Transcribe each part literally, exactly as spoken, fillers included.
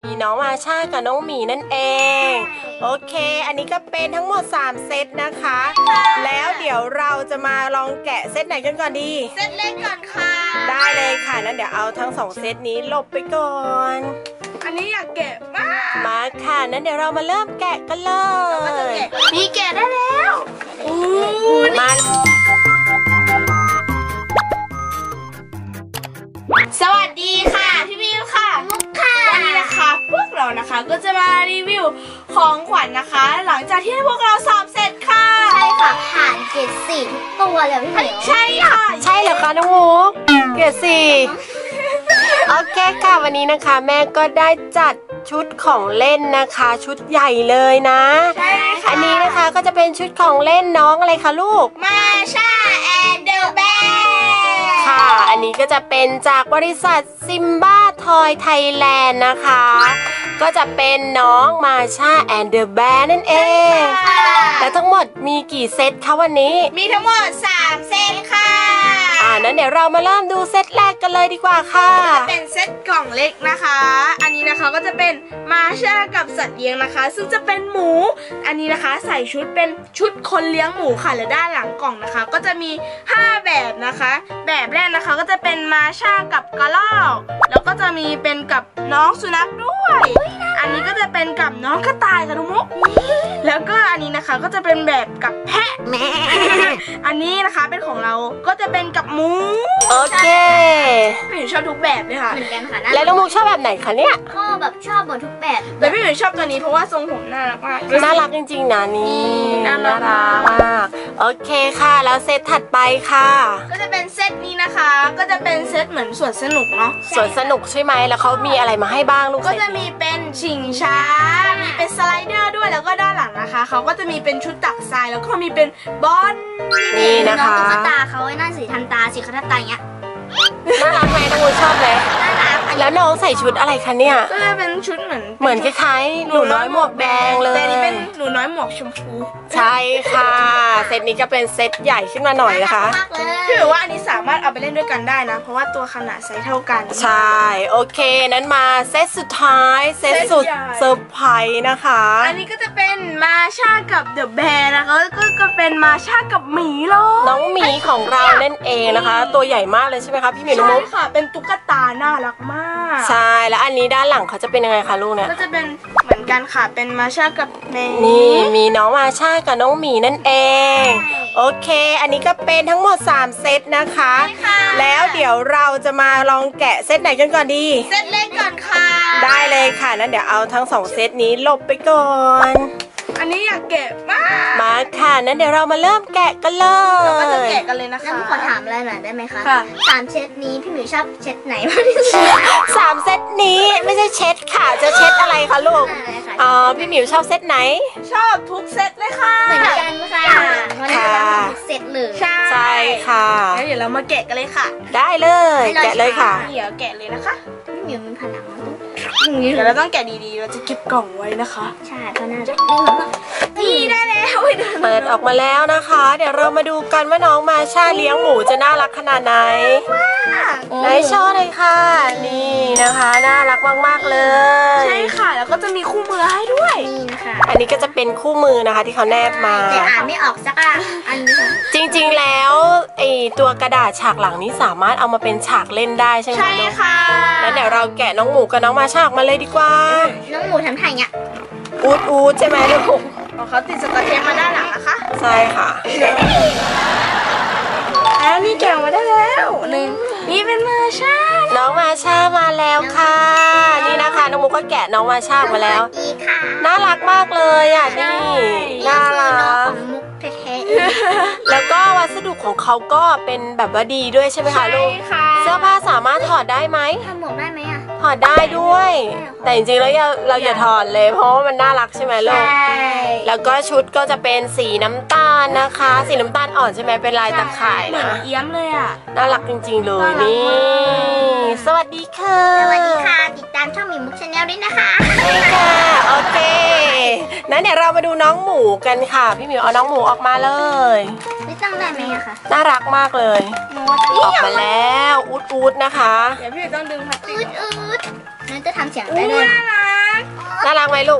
มีน้องมาชากับน้องหมีนั่นเองโอเคอันนี้ก็เป็นทั้งหมดสามเซตนะคะแล้วเดี๋ยวเราจะมาลองแกะเซตไหนกันก่อนดีเซตเล็กก่อนค่ะได้เลยค่ะนั้นเดี๋ยวเอาทั้งสองเซตนี้หลบไปก่อนอันนี้อยากแกะมากมาค่ะนั้นเดี๋ยวเรามาเริ่มแกะกันเลยนี่แกะได้แล้วมาสวัสดีค่ะพี่วิวค่ะมุกค่ะวันนี้นะคะพวกเรานะคะก็จะมารีวิวของขวัญนะคะ หลังจากที่พวกเราสอบเสร็จค่ะใช่ค่ะผ่านเกรดสี่ทุกตัวเลยพี่เหมียวใช่ค่ะใช่เหรอคะน้องมุกเกรดสี่โอเคค่ะวันนี้นะคะแม่ก็ได้จัดชุดของเล่นนะคะชุดใหญ่เลยนะใช่ค่ะอันนี้นะคะก็จะเป็นชุดของเล่นน้องอะไรคะลูกมาชาแอนเดอร์แบร์ค่ะอันนี้ก็จะเป็นจากบริษัทซิมบ้าทอยไทยแลนด์นะคะก็จะเป็นน้องมาชาแอนเดอร์แบร์นั่นเองและทั้งหมดมีกี่เซตคะวันนี้มีทั้งหมดสามเซตค่ะอ่านั้นเดี๋ยวเรามาเริ่มดูเซตแรกกันเลยดีกว่าค่ะเป็นเซตกล่องเล็กนะคะอันนี้นะคะก็จะเป็นมาชากับสัตว์เลี้ยงนะคะซึ่งจะเป็นหมูอันนี้นะคะใส่ชุดเป็นชุดคนเลี้ยงหมูค่ะและด้านหลังกล่องนะคะก็จะมีห้าแบบนะคะแบบแรกนะคะก็จะเป็นมาชากับกระรอกแล้วก็จะมีเป็นกับน้องสุนัขด้วยอันนี้ก็จะเป็นกับน้องกระต่ายค่ะทุกมุกแล้วก็อันนี้นะคะก็จะเป็นแบบกับแพะแม่อันนี้นะคะเป็นของเราก็จะเป็นกับหมูโอเคพี่หนูชอบทุกแบบเลยค่ะเหมือนกันค่ะแล้วน้องมุกชอบแบบไหนคะเนี่ยก็แบบชอบหมดทุกแบบแต่พี่หนูชอบตัวนี้เพราะว่าทรงผมน่ารักมากน่ารักจริงๆนะนี่น่ารักมากโอเคค่ะแล้วเซตถัดไปค่ะก็จะเป็นเซตนี้นะคะก็จะเป็นเซตเหมือนสวนสนุกเนาะสวนสนุกใช่ไหมแล้วเขามีอะไรมาให้บ้างลูกก็จะมีเป็นชิงช้ามีเป็นสไลเดอร์ด้วยแล้วก็ด้านหลังนะคะเขาก็จะมีเป็นชุดตักทรายแล้วก็มีเป็นบอลนี่นะคะน้องตุ๊กตาเขาไอ้หน้าสีทันตาสีทันตาอย่างเงี้ยน่ารักไหมน้องมุกชอบไหมน่ารักแล้วน้องใส่ชุดอะไรคะเนี่ยก็จะเป็นชุดเหมือนเหมือนคล้ายๆหนูน้อยหมวกแดงเลยแต่นี่เป็นหนูน้อยหมวกชมพูใช่ค่ะเซตนี้ก็เป็นเซตใหญ่ขึ้นมาหน่อยนะคะพี่บอกว่าอันนี้สามารถเอาไปเล่นด้วยกันได้นะเพราะว่าตัวขนาดไซส์เท่ากันใช่โอเคนั้นมาเซตสุดท้ายเซตสุดเซอร์ไพรส์นะคะอันนี้ก็จะเป็นมาชากับเดอะแบร์นะคะก็ก็เป็นมาชากับหมีเลยน้องหมีของเรานั่นเองนะคะตัวใหญ่มากเลยใช่ไหมคะพี่หมีน้องมุกใช่ค่ะเป็นตุ๊กตาน่ารักมากใช่แล้วอันนี้ด้านหลังเขาจะเป็นยังไงคะลูกเนี่ยก็จะเป็นเหมือนกันค่ะเป็นมาชากับแมวนี่มีน้องมาชากับน้องหมีนั่นเองโอเคอันนี้ก็เป็นทั้งหมดสามเซตนะคะแล้วเดี๋ยวเราจะมาลองแกะเซตไหนกันก่อนดีเซตเล็กก่อนค่ะได้เลยค่ะนั้นเดี๋ยวเอาทั้งสองเซตนี้หลบไปก่อนอันนี้อยากแกะมากมาค่ะนั้นเดี๋ยวเรามาเริ่มแกะกันเลยเราก็จะแกะกันเลยนะคะแล้วขอถามอะไรหน่อยได้ไหมคะค่ะสามเซตนี้พี่หมิวชอบเซตไหนมากที่สุดสามเซตนี้ไม่ใช่เช็ดค่ะจะเช็ดอะไรคะลูกอ๋อพี่หมิวชอบเซตไหนชอบทุกเซตเลยค่ะเหมือนกันค่ะวันนี้เราทำทุกเซตเลยใช่ค่ะแล้วเดี๋ยวเรามาแกะกันเลยค่ะได้เลยแกะเลยค่ะเดี๋ยวแกะเลยนะคะพี่หมิวมีพลังเดี๋ยวเราต้องแกะดีๆเราจะเก็บกล่องไว้นะคะใช่เพราะน่าจะนี่ได้แล้วเปิดออกมาแล้วนะคะเดี๋ยวเรามาดูกันว่าน้องมาชาเลี้ยงหมูจะน่ารักขนาดไหนไหนโชว์เลยค่ะนี่นะคะน่ารักมากๆเลยใช่ค่ะแล้วก็จะมีคู่มือให้ด้วยนี่นะคะอันนี้ก็จะเป็นคู่มือนะคะที่เขาแนบมาแต่อ่านไม่ออกสักอ่ะอันนี้จริงๆแล้วไอตัวกระดาษฉากหลังนี้สามารถเอามาเป็นฉากเล่นได้ใช่ไหมใช่ค่ะแล้วเดี๋ยวเราแกะน้องหมูกับน้องมาชาออกมาเลยดีกว่าน้องหมูทำท่าอย่างเงี้ยอูดอูดใช่ไหมลูกเขาติดสกอตเทปมาด้านหลังนะคะใช่ค่ะแล้วนี่แกะมาได้แล้วหนึ่งนี่เป็นมาชาน้องมาชามาแล้วค่ะนี่นะคะน้องมุกก็แกะน้องมาชามาแล้วน่ารักมากเลยอ่ะนี่น่ารักแล้วก็วัสดุของเขาก็เป็นแบบว่าดีด้วยใช่ไหมคะลูกเสื้อผ้าสามารถถอดได้ไหมทำหมวกได้ไหมอ่ะถอดได้ด้วยแต่จริงๆแล้วเราอย่าถอดเลยเพราะว่ามันน่ารักใช่ไหมลูกแล้วก็ชุดก็จะเป็นสีน้ำตาลนะคะสีน้ำตาลอ่อนใช่ไหมเป็นลายตะข่ายนะเอี้ยมเลยอ่ะน่ารักจริงๆเลยนี่สวัสดีค่ะสวัสดีค่ะติดตามช่องหมีมุกชาแนลด้วยนะคะใช่ค่ะโอเคนั้นเดี๋ยวเรามาดูน้องหมูกันค่ะพี่หมิวเอาน้องหมูออกมาเลยไม่ตั้งได้ไหมอะคะน่ารักมากเลยออกมาแล้วอูดอูดนะคะเดี๋ยวพี่ต้องดึงพลาสติกอูดอูดนั่นจะทำเสียงได้เลยน่ารัลูก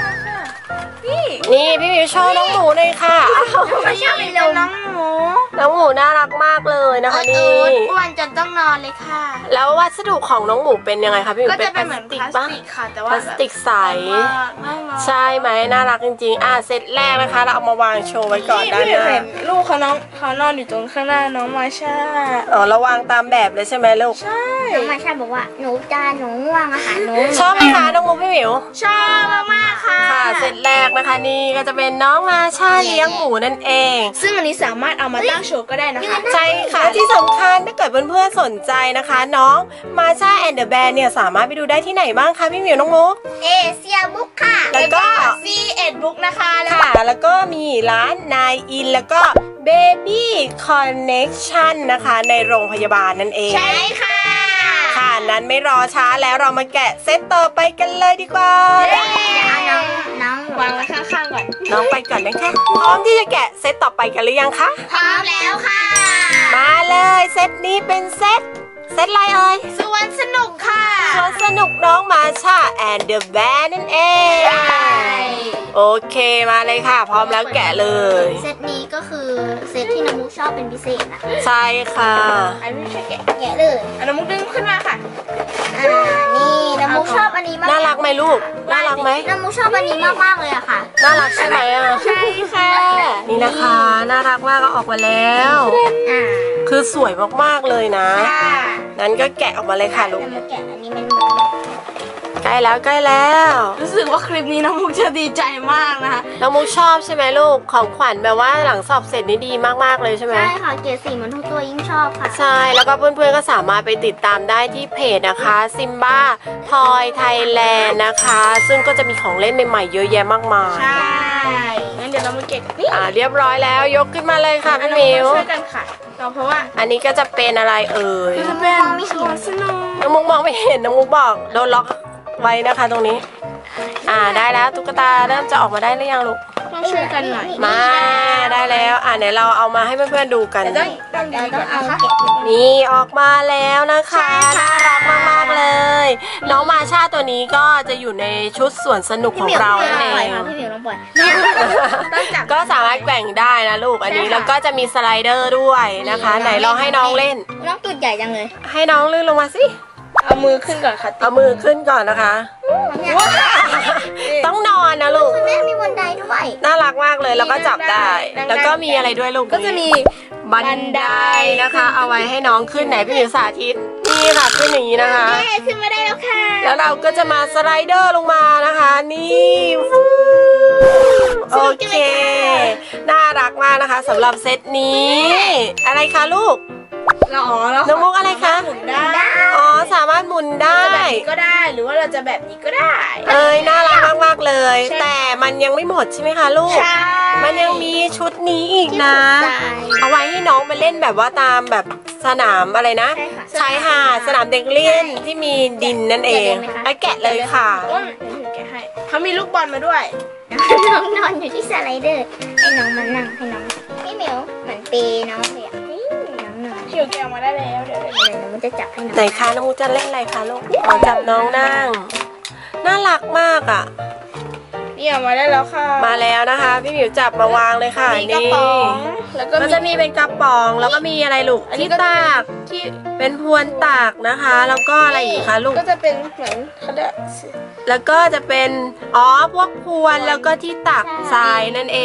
นี่พี่หมิวโชว์น้องหมูเลยค่ะอ้าวไม่ชอบเป็นลมน้องหมูน้องหมูน่ารักมากเลยนะคะนี่อ้วนจนต้องนอนเลยค่ะแล้ววัสดุของน้องหมูเป็นยังไงคะพี่หมิวก็เป็จะนพเป็ลานเหมืสอนติพกลาสปะติกค่ะแต่พว่าลาสติกใสน่ารักใช่ไหมน่ารักจริงๆอ่ะเซตแรกนะคะเราเอามาวางโชว์ไว้ก่อนด้านหพี่น้าเห็นลูกเขาน้องเขานอนอยู่ตรงข้างหน้าน้องมาชาอ๋อเราวางตามแบบเลยใช่ไหมลูกใช่น้องมาชาบอกว่าหนูจานหนูง่วงอาหารหนูชอบไหมคะน้องมุกพี่หมิวชอบมากๆค่ะค่ะเซตแรกนะคะนี่ก็จะเป็นน้องมาชาเลี้ยงหมูนั่นเองซึ่งอันนี้สามารถเอามาตั้งโชว์ก็ได้นะคะใช่ค่ะที่สำคัญถ้าเกิดเพื่อนๆสนใจนะคะ น้องมาชาแอนเดอะแบนเนี่ยสามารถไปดูได้ที่ไหนบ้างคะพี่หมิวน้องมุกเอเชียบุ๊กค่ะแล้วก็ซีเอ็ดบุ๊กนะคะแล้วค่ะแล้วก็มีร้านนายอินแล้วก็ Baby Connection นะคะในโรงพยาบาลนั่นเองใช่ค่ะค่ะนั้นไม่รอช้าแล้วเรามาแกะเซตต่อไปกันเลยดีกว่าเอาน้องน้องวางไว้ข้างๆก่อนน้องไปก่อนนะคะพร้อมที่จะแกะเซตต่อไปกันหรือยังคะพร้อมแล้วค่ะมาเลยเซตนี้เป็นเซตเซตอะไรเอ่ยสวนสนุกค่ะสวนสนุกน้องมาชาแอนเดอะแบนนั่นเอง โอเคมาเลยค่ะ พร้อมแล้วแกะเลยเซตนี้ก็คือเซตที่น้องมุกชอบเป็นพิเศษนะคะใช่ค่ะอันนี้ช่วยแกะแกะเลยอันน้ำมุกดึงขึ้นมาค่ะอ่านี่น้องมุกชอบอันนี้มากน่ารักไหมลูก น่ารักไหมน้องมุกชอบอันนี้มากๆเลยอะค่ะน่ารักใช่ไหมอ่ะใช่ค่ะนี่นะคะ น่ารักมากก็ออกมาแล้วอ่าคือสวยมากๆเลยนะค่ะนั้นก็แกะออกมาเลยค่ะลูกน้องมุกแกะอันนี้มันเหมือนแบบใกล้แล้วใกล้แล้วรู้สึกว่าคลิปนี้น้องมุกจะดีใจมากนะคะน้องมุกชอบใช่ไหมลูก ของขวัญแบบว่าหลังสอบเสร็จนี่ดีมากๆเลยใช่ไหมใช่ค่ะเกรดสีเหมือนทุกตัวยิ่งชอบค่ะใช่ แล้วก็เพื่อนๆก็สามารถไปติดตามได้ที่เพจนะคะซิมบ้าทอยไทยแลนด์นะคะ ซึ่งก็จะมีของเล่นใหม่ๆเยอะแยะมากมายใช่งั้นเดี๋ยวเรามาเก็บนี่อ่าเรียบร้อยแล้วยกขึ้นมาเลยค่ะอันพี่น้องหมิวมุกช่วยกันค่ะเราเพราะว่าอันนี้ก็จะเป็นอะไรเอ่ยจะเป็นสวนสนุกน้องมุกมองไม่เห็นน้องมุกบอกโดนล็อกไว้นะคะตรงนี้ อ่าได้แล้วตุ๊กตาเริ่มจะออกมาได้หรือยังลูกต้องช่วยกันหน่อยมาได้แล้วอ่าเดี๋ยวเราเอามาให้เพื่อนๆดูกันแต่ต้องต้องดีเราก่ต้ออน งเอานะคะเก็บไว้นี่ออกมาแล้วนะคะใช่น่าค่ะรักมากๆเลย น้องมาชาตัวนี้ก็จะอยู่ในชุดสวนสนุกของเราพี่นั่นหมิวเอลองปล่อยงค่ะพี่หมิวลองปล่อยต้องจับก็สามารถแกว่งได้นะลูกอันนี้ใช่ค่ะแล้วก็จะมีสไลเดอร์ด้วยนะคะ ไหนลองให้น้องเล่นน้องตูดใหญ่จังเลยให้น้องลื่นลงมาสิเอามือขึ้นก่อนค่ะเอามือขึ้นก่อนนะคะเนี่ยต้องนอนนะลูกคุณแม่มีบันไดด้วยน่ารักมากเลยแล้วก็จับได้ แล้วก็มีอะไรด้วยลูกก็จะมีบันไดนะคะ เอาไว้ให้น้องขึ้นไหนพี่หมิวสาธิตนี่ค่ะขึ้นอย่างนี้นะคะเย้ขึ้นมาได้แล้วค่ะแล้วเราก็จะมาสไลเดอร์ลงมานะคะ นี่ฟูโอเค น่ารักมากนะคะสำหรับเซตนี้ อะไรคะลูกเราอ๋อเราน้องมุกอะไรคะหมุนได้อ๋อสามารถหมุนได้จะแบบนี้ก็ได้หรือว่าเราจะแบบนี้ก็ได้เอ้ยน่ารักมากๆเลยใช่แต่มันยังไม่หมดใช่ไหมคะลูกใช่มันยังมีชุดนี้อีกนะที่ถูกใจเอาไว้ให้น้องไปเล่นแบบว่าตามแบบสนามอะไรนะใช่ค่ะชายหาดสนามเด็กเล่นที่มีดินนั่นเองแกะเลยไหมคะไอ้แกะเลยค่ะต้นเดี๋ยวถือแกะให้เขามีลูกบอลมาด้วยน้องนอนอยู่ที่สไลเดอร์ ให้น้องมานั่งให้น้องพี่เหมียวเหมือนเปย์น้องเลยอ่ะนี่น้องนอนเขียวแกะออกมาได้แล้วเดี๋ยวเดี๋ยวเดี๋ยวน้องจะจับให้น้องไหนคะน้องมูจะเล่นอะไรคะลูกอ๋อจับน้องนั่ง น่ารักมากอ่ะนี่ออกมาได้แล้วค่ะมาแล้วนะคะ พี่หมิวจับมาวางเลยค่ะมีกระนี่ป๋องแล้วก็ก็จะมีเป็นกระป๋องแล้วก็มีอะไรลูกอันนี้ที่ก็ตากที่เป็นพวนตากนะคะ แล้วก็อะไรอีกคะลูกก็จะเป็นเหมือนเขาเรียกแล้วก็จะเป็นอ๋อพวกพวนแล้วก็ที่ตักทรายนั่นเอง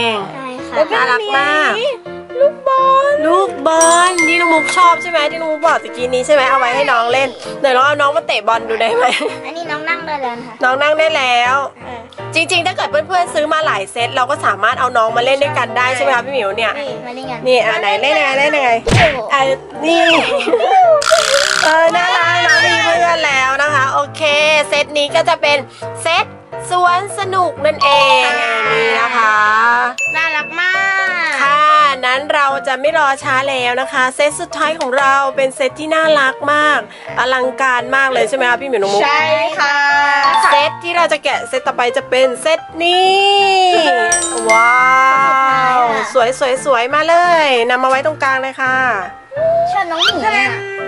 ใช่ค่ะแล้วก็น่ารักมากลูกบอลลูกบอลที่น้องมุกชอบใช่ไหมที่น้องมุกบอกตะกี้นี้ใช่ไหมเอาไว้ให้น้องเล่นเดี๋ยวลองเอาน้องมาเตะบอลดูได้ไหมอันนี้น้องนั่งได้แล้วค่ะน้องนั่งได้แล้วอ่ะจริงๆ ถ้าเกิดเพื่อนๆซื้อมาหลายเซตเราก็สามารถเอาน้องมาเล่นด้วยกันได้ใช่ไหมคะพี่หมิวเนี่ยนี่มาเล่นกันนี่อ่ะไหนเล่นยังไงเล่นยังไงโอ้โหอ่ะนี่เออน่ารักน้องมีเพื่อนแล้วนะคะโอเคเซตนี้ก็จะเป็นเซตสวนสนุกนั่นเองนี่นะคะน่ารักมากค่ะนั้นเราจะไม่รอช้าแล้วนะคะเซตสุดท้ายของเราเป็นเซตที่น่ารักมากอลังการมากเลยใช่ไหมคะพี่หมิวน้องมุกใช่ค่ะเซตที่เราจะแกะเซตต่อไปจะเป็นเซตนี้ว้าวสวยสวยสวยมาเลยนำมาไว้ตรงกลางเลยค่ะชอบน้องหมีอ่ะใ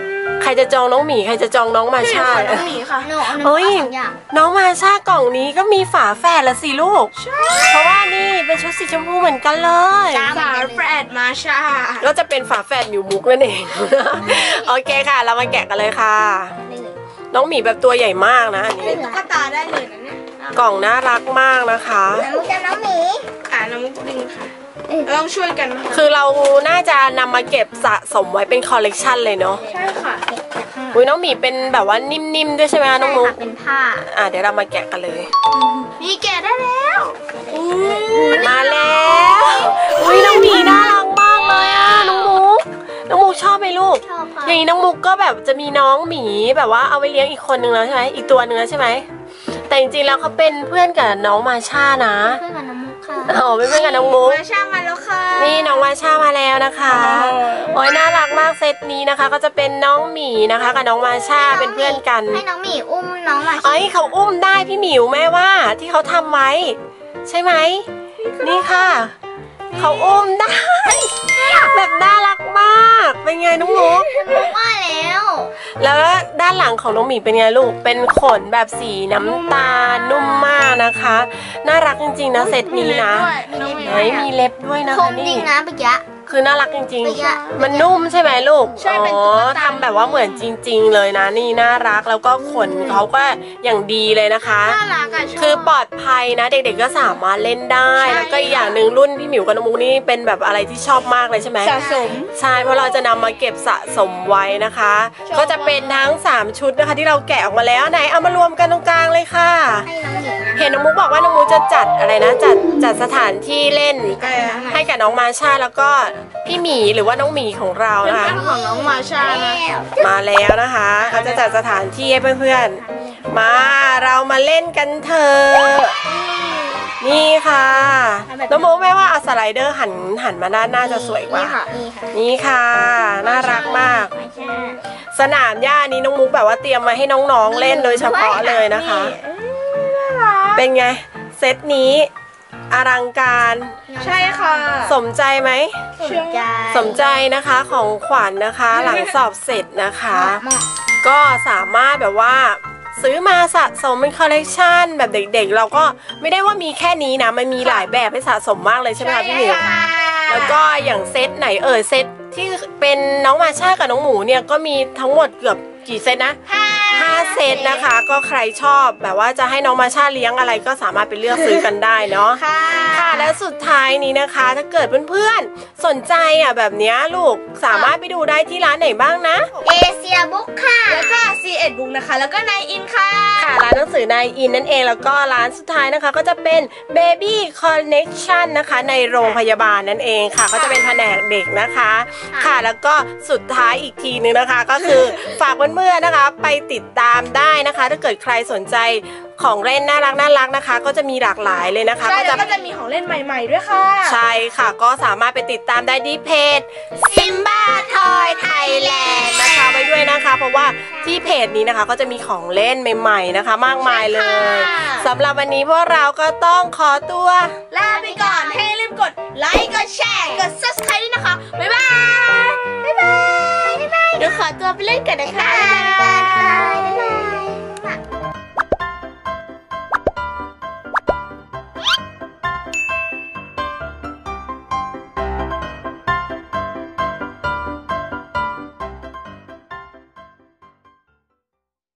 ใครจะจองน้องหมีใครจะจองน้องมาชาน้องหมีค่ะหนูหนูเฮ้ยเอาสองอย่างน้องมาชากล่องนี้ก็มีฝาแฝดละสิลูกเพราะว่านี่เป็นชุดสีชมพูเหมือนกันเลยฝาแฝดมาชาก็จะเป็นฝาแฝดมิวมุกนั่นเอง โอเคค่ะ เรามาแกะกันเลยค่ะ น้องหมีแบบตัวใหญ่มากนะอันนี้เป็นตุ๊กตาได้เลยนะเนี่ยกล่องน่ารักมากนะคะน้ำมุกจะน้องหมีอ่าน้องมุกดึงค่ะเราต้องช่วยกันนะคะคือเราน่าจะนำมาเก็บสะสมไว้เป็นคอลเลกชันเลยเนาะใช่ค่ะอุ้ยน้องหมีเป็นแบบว่านิ่มๆด้วยใช่ไหมคะน้องมุกเป็นผ้าอ่ะเดี๋ยวเรามาแกะกันเลยนี่แกะได้แล้วอู้มาแล้วอุ้ยน้องหมีน่ารักมากเลยอ่ะน้องมุกน้องมุกชอบไหมลูกชอบค่ะอย่างนี้น้องมุกก็แบบจะมีน้องหมีแบบว่าเอาไว้เลี้ยงอีกคนนึงแล้วใช่ไหมอีกตัวนึงแล้วใช่ไหมแต่จริงๆแล้วเขาเป็นเพื่อนกับน้องมาชานะเพื่อนกับน้ำมุกค่ะอ๋อเป็นเพื่อนกับน้องมุกมาชามาแล้วค่ะนี่น้องมาชามาแล้วนะคะโอ้ยน่ารักมากเซตนี้นะคะ ก็จะเป็นน้องหมีนะคะกับน้องมาชาเป็นเพื่อนกันให้น้องหมีอุ้มน้องมาเอ้ยเขาอุ้มได้พี่หมิวแม่ว่าที่เขาทำไว้ ใช่ไหมนี่ค่ะเขาอุ้มได้ แบบน่ารักมากเป็นไงน้องมุกว่าแล้วแล้วด้านหลังของน้องหมีเป็นไงลูกเป็นขนแบบสีน้ำตาลนุ่มมากนะคะ น่ารักจริงๆนะเซตนี้นะน้องหมีเฮ้ยมีเล็บด้วยนะคคะมจรินี่งนะเมื่อกี้คือน่ารักจริงเมื่อกี้ๆ มันนุ่มใช่ไหมลูกใช่เป็นอ๋อตุ๊กตาทำแบบว่าเหมือนจริง ๆ เลยนะนี่น่ารักแล้วก็ขนเขาก็อย่างดีเลยนะคะน่ารักอ่ะชบคือปลอดภัยนะเด็กๆก็สามารถเล่นได้ใช่แล้วก็อีกอย่างหนึ่งรุ่นพี่หมิวกับน้องมุกนี่เป็นแบบอะไรที่ชอบมากเลยใช่ไหมสะสมใช่เพราะเราจะนำมาเก็บสะสมไว้นะคะชอบก็จะเป็นทั้งสามชุดนะคะที่เราแกะออกมาแล้วไหนเอามารวมกันตรงกลางเลยค่ะให้น้องหมีนะเห็นน้องมุกบอกว่าน้องมุกจะจัดอะไรนะจัดจัดสถานที่เล่นเออให้กับน้องมาชาแล้วก็พี่หมีหรือว่าน้องหมีของเราเป็นนะคะเพื่อนของน้องมาชานะมาแล้วนะคะเขาจะจัดสถานที่ให้เพื่อนๆมาเรามาเล่นกันเถอะนี่ค่ะน้องมุกแม่ว่าเอาสไลเดอร์หันหันมาด้านหน้าจะสวยกว่านี่ค่ะนี่ค่ะนี่ค่ะ น่ารักมากมาชาสนามหญ้านี้น้องมุกแบบว่าเตรียมมาให้น้องๆเล่นโดยเฉพาะเลยนะคะ เป็นไงเซตนี้อลังการใช่ค่ะสมใจไหมสนใจสมใจนะคะของขวัญนนะคะ หลังสอบเสร็จนะคะเหมาะก็สามารถแบบว่าซื้อมาสะสมเป็นคอลเลกชันแบบเด็กๆ เราก็ไม่ได้ว่ามีแค่นี้นะมันมีหลายแบบให้สะสมมากเลยใช่ไหมคะพี่หมิวแล้วก็อย่างเซตไหนเอ่ยเซตที่เป็นน้องมาชากับน้องหมูเนี่ยก็มีทั้งหมดเกือบกี่เซตนะห้าเซตนะคะ ก็ใครชอบแบบว่าจะให้น้องมาชาเลี้ยงอะไรก็สามารถไปเลือกซื้อกันได้เนาะค่ะค่ะและสุดท้ายนี้นะคะ ถ้าเกิดเพื่อนๆสนใจอ่ะแบบเนี้ยลูกสามารถไปดูได้ที่ร้านไหนบ้างนะเอเชียบุ๊กค่ะแล้วก็ ซี เอ็ด บุ๊กนะคะ แล้วก็ ไนน์ อิน ค่ะค่ะร้านหนังสือนายอินนั่นเองแล้วก็ร้านสุดท้ายนะคะ ก็จะเป็น Baby Connection นะคะในโรงพยาบาลนั่นเองค่ะ ก็จะเป็นแผนกเด็กนะคะ ค่ะแล้วก็สุดท้ายอีกทีนึงนะคะ ก็คือฝากเพื่อนๆนะคะ ไปติดตามได้นะคะ ถ้าเกิดใครสนใจของเล่นน่ารักน่ารักนะคะ ก็จะมีหลากหลายเลยนะคะใช่ก็แล้จะวก็จะมีของเล่นใหม่ๆด้วยค่ะใช่ค่ะก็สามารถไปติดตามได้ที่เพจ Simba Toy Thailand นะคะไว้ด้วยนะคะ เพราะว่าที่เพจนี้นะคะก็จะมีของเล่นใหม่ๆนะคะ มากมายเลยสำหรับวันนี้พวกเราก็ต้องขอตัวลาไปก่อนให้รีบกดไลค์ กดแชร์ กด ซับสไครบ์ ด้วยนะคะ บ๊ายบาย บ๊ายบาย บ๊ายบายเดี๋ยวขอตัวไปเล่นกันนะคะบ๊ายบาย